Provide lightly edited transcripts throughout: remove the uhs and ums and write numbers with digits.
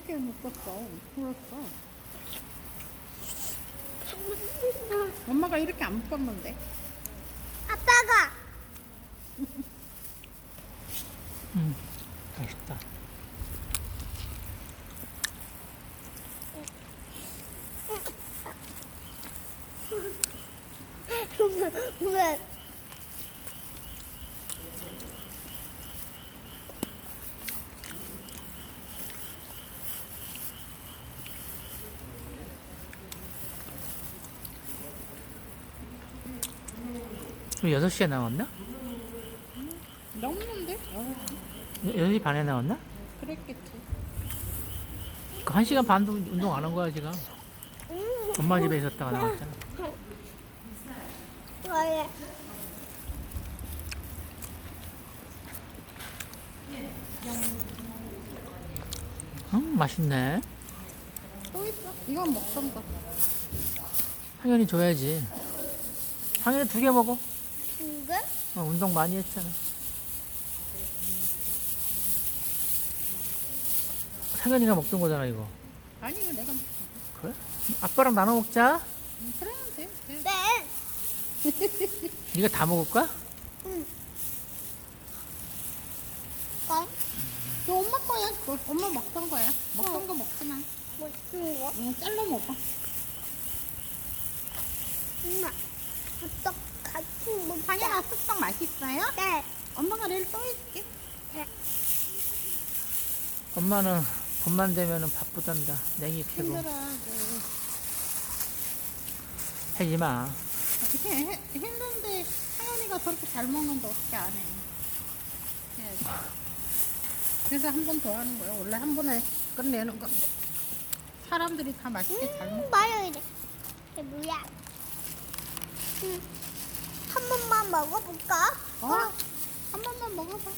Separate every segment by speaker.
Speaker 1: 이렇게 묶었어. 풀었어. 엄마가 이렇게 안 묶었는데.
Speaker 2: 아빠가
Speaker 3: 맛있다.
Speaker 2: 왜?
Speaker 3: 우리 6시에 나왔나?
Speaker 1: 넘는데?
Speaker 3: 6시 반에 나왔나?
Speaker 1: 그랬겠지.
Speaker 3: 그 1시간 반도 운동 안 한 거야, 지금. 엄마 집에 있었다가 나왔잖아.
Speaker 2: 왜?
Speaker 3: 맛있네.
Speaker 1: 또 있어? 이건 먹던가.
Speaker 3: 상현이 줘야지. 상현이 2개 먹어.
Speaker 2: 이게?
Speaker 3: 운동 많이 했잖아. 상현이가 먹던 거잖아, 이거.
Speaker 1: 아니, 이거 내가 먹어.
Speaker 3: 그래? 아빠랑 나눠 먹자.
Speaker 1: 그러면 돼. 돼.
Speaker 2: 네.
Speaker 3: 네가 다 먹을 거야?
Speaker 2: 건?
Speaker 1: 이거 엄마 거야. 그거 엄마 먹던 거야. 먹던 거 먹지 마.
Speaker 2: 뭐 쓰는 거?
Speaker 1: 응, 잘라 먹어.
Speaker 2: 엄마. 어떡 같이 먹자.
Speaker 1: 상현아, 쑥떡 맛있어요?
Speaker 2: 네.
Speaker 1: 엄마가 내일 또 해줄게.
Speaker 3: 엄마는 돈만 되면은 바쁘단다. 냉이 캐고.
Speaker 1: 힘들어.
Speaker 3: 하지 마.
Speaker 1: 이렇게 힘든데 상현이가 저렇게 잘 먹는데 어떻게 안 해? 해야지. 그래서 한 번 더 하는 거야. 원래 한 번에 끝내는 거. 사람들이 다 맛있게 잘 먹어.
Speaker 2: 말려 이래. 이게 뭐야? 한 번만 먹어볼까?
Speaker 1: 한 번만 먹어봐.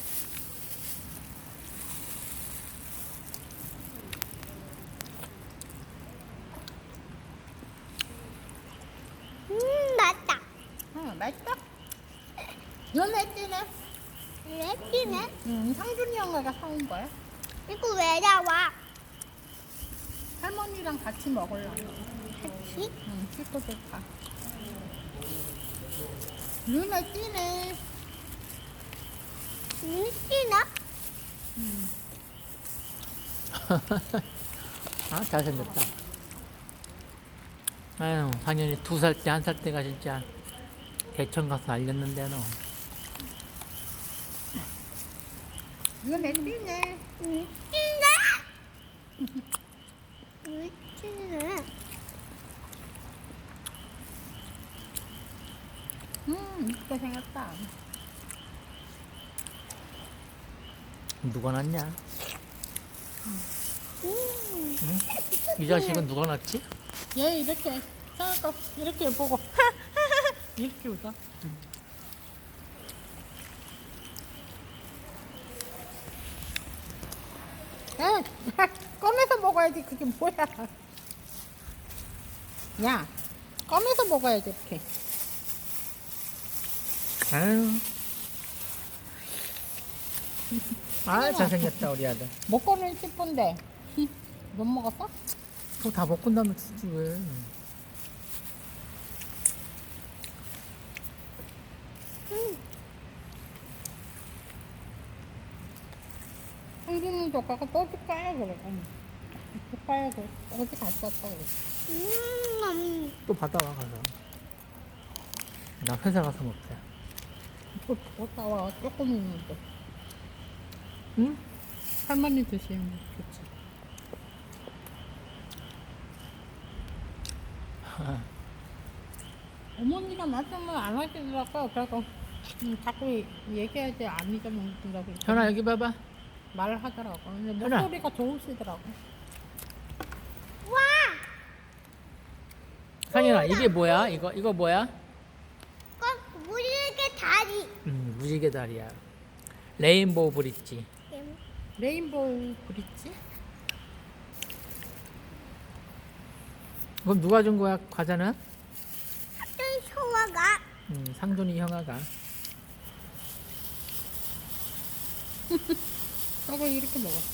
Speaker 2: 맞다.
Speaker 1: 맛있다? 연애 뛰네?
Speaker 2: 왜 뛰네?
Speaker 1: 상준이 형아가 사온 거야.
Speaker 2: 이거 왜 나와?
Speaker 1: 할머니랑 같이 먹으려고.
Speaker 2: 같이?
Speaker 1: 씻고 좋다. 눈에 뛰네.
Speaker 2: 뛰나?
Speaker 3: 아, 잘생겼다. 아유, 상현이 2살 때, 1살 때가 진짜 대천 가서 알렸는데, 너.
Speaker 1: 눈에 뛰네.
Speaker 2: 뛰나? 뛰네.
Speaker 1: 이쁘게 생겼다.
Speaker 3: 누가 낳냐? 이 자식은 누가 낳지?
Speaker 1: 얘 이렇게 생각하 이렇게 보고 이렇게 웃어. 야, 꺼내서 먹어야지. 그게 뭐야? 야, 꺼내서 먹어야지 이렇게.
Speaker 3: 아유. 아, 잘생겼다, 우리 아들.
Speaker 1: 먹고는 싶은데 못 먹었어?
Speaker 3: 그거 다 먹고 나면 주지, 왜.
Speaker 1: 상준이 조카가 또 줄까요? 그래. 줄까요? 그래. 어디 갔었다 그래.
Speaker 3: 또 받아와, 가서. 나 회사 가서 먹자.
Speaker 1: 또 나와 조금 있는데.
Speaker 3: 응?
Speaker 1: 할머니 드시면 좋지. 어머니가 말씀을 안 하시더라고. 그래서 자꾸 얘기해야지 안 잊어먹는다고
Speaker 3: 현아, 여기 봐봐.
Speaker 1: 말을 하더라고. 근데
Speaker 3: 현아.
Speaker 1: 목소리가 좋으시더라고.
Speaker 2: 와!
Speaker 3: 상현아, 이게 뭐야? 이거 뭐야?
Speaker 2: 꼭 물게 다리.
Speaker 3: 무지개 다리야. 레인보우 브릿지.
Speaker 1: 레인보우 브릿지?
Speaker 3: 그럼 누가 준 거야, 과자는?
Speaker 2: 어떤 소화가?
Speaker 3: 상준이 형아가.
Speaker 1: 저거 이렇게 먹어.